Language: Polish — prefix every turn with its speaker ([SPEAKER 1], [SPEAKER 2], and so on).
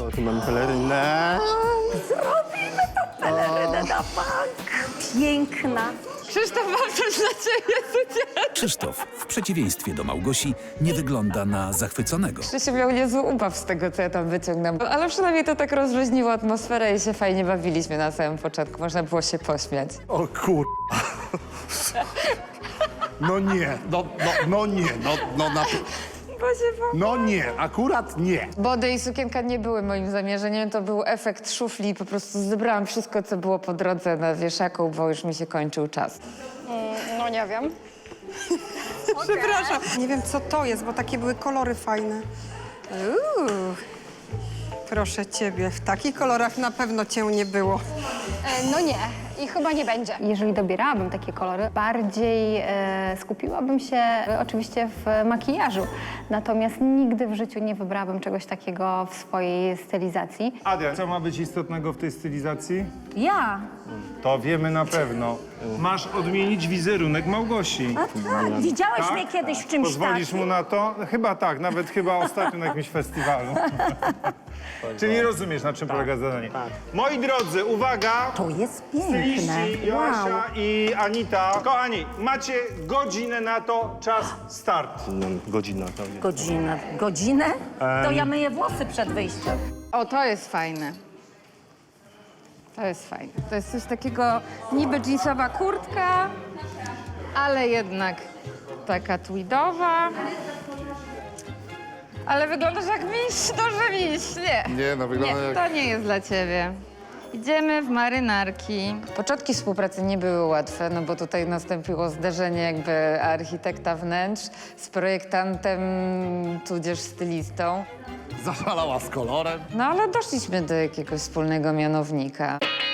[SPEAKER 1] tu mam pelerynę.
[SPEAKER 2] Zrobimy tą pelerynę na bank. Piękna.
[SPEAKER 3] Krzysztof, mam coś dla ciebie.
[SPEAKER 4] Krzysztof, w przeciwieństwie do Małgosi, nie wygląda na zachwyconego.
[SPEAKER 3] Krzysiu miał niezły ubaw z tego, co ja tam wyciągnęłam. Ale przynajmniej to tak rozluźniło atmosferę i się fajnie bawiliśmy na samym początku. Można było się pośmiać.
[SPEAKER 1] O kur... No nie, no nie, no nie, akurat nie.
[SPEAKER 3] Body i sukienka nie były moim zamierzeniem, to był efekt szufli. Po prostu zebrałam wszystko, co było po drodze na wieszaku, bo już mi się kończył czas.
[SPEAKER 5] No nie wiem.
[SPEAKER 6] Przepraszam. Nie wiem, co to jest, bo takie były kolory fajne. Proszę ciebie, w takich kolorach na pewno cię nie było.
[SPEAKER 5] No nie. I chyba nie będzie.
[SPEAKER 7] Jeżeli dobierałabym takie kolory, bardziej skupiłabym się oczywiście w makijażu. Natomiast nigdy w życiu nie wybrałabym czegoś takiego w swojej stylizacji.
[SPEAKER 8] Adia, co ma być istotnego w tej stylizacji?
[SPEAKER 2] Ja?
[SPEAKER 8] To wiemy na pewno. Masz odmienić wizerunek Małgosi.
[SPEAKER 2] A tak, widziałeś mnie kiedyś w czymś
[SPEAKER 8] Pozwolisz
[SPEAKER 2] takim?
[SPEAKER 8] mu na to? Chyba tak, nawet chyba ostatnio na jakimś festiwalu. Czyli rozumiesz, na czym polega zadanie. Moi drodzy, uwaga!
[SPEAKER 2] To jest piękne.
[SPEAKER 8] Styliści Joasia i Anita. Kochani, macie godzinę na to, czas start.
[SPEAKER 1] Godzina pewnie.
[SPEAKER 2] Godzinę? To ja myję włosy przed wyjściem.
[SPEAKER 3] O, to jest fajne. To jest fajne. To jest coś takiego niby jeansowa kurtka, ale jednak taka tweedowa. Ale wyglądasz jak miś, duży miś. Nie,
[SPEAKER 1] no wygląda jak...
[SPEAKER 3] to nie jest dla ciebie. Idziemy w marynarki. Początki współpracy nie były łatwe, no bo tutaj nastąpiło zderzenie jakby architekta wnętrz z projektantem, tudzież stylistą.
[SPEAKER 1] Zaszalała z kolorem.
[SPEAKER 3] No ale doszliśmy do jakiegoś wspólnego mianownika.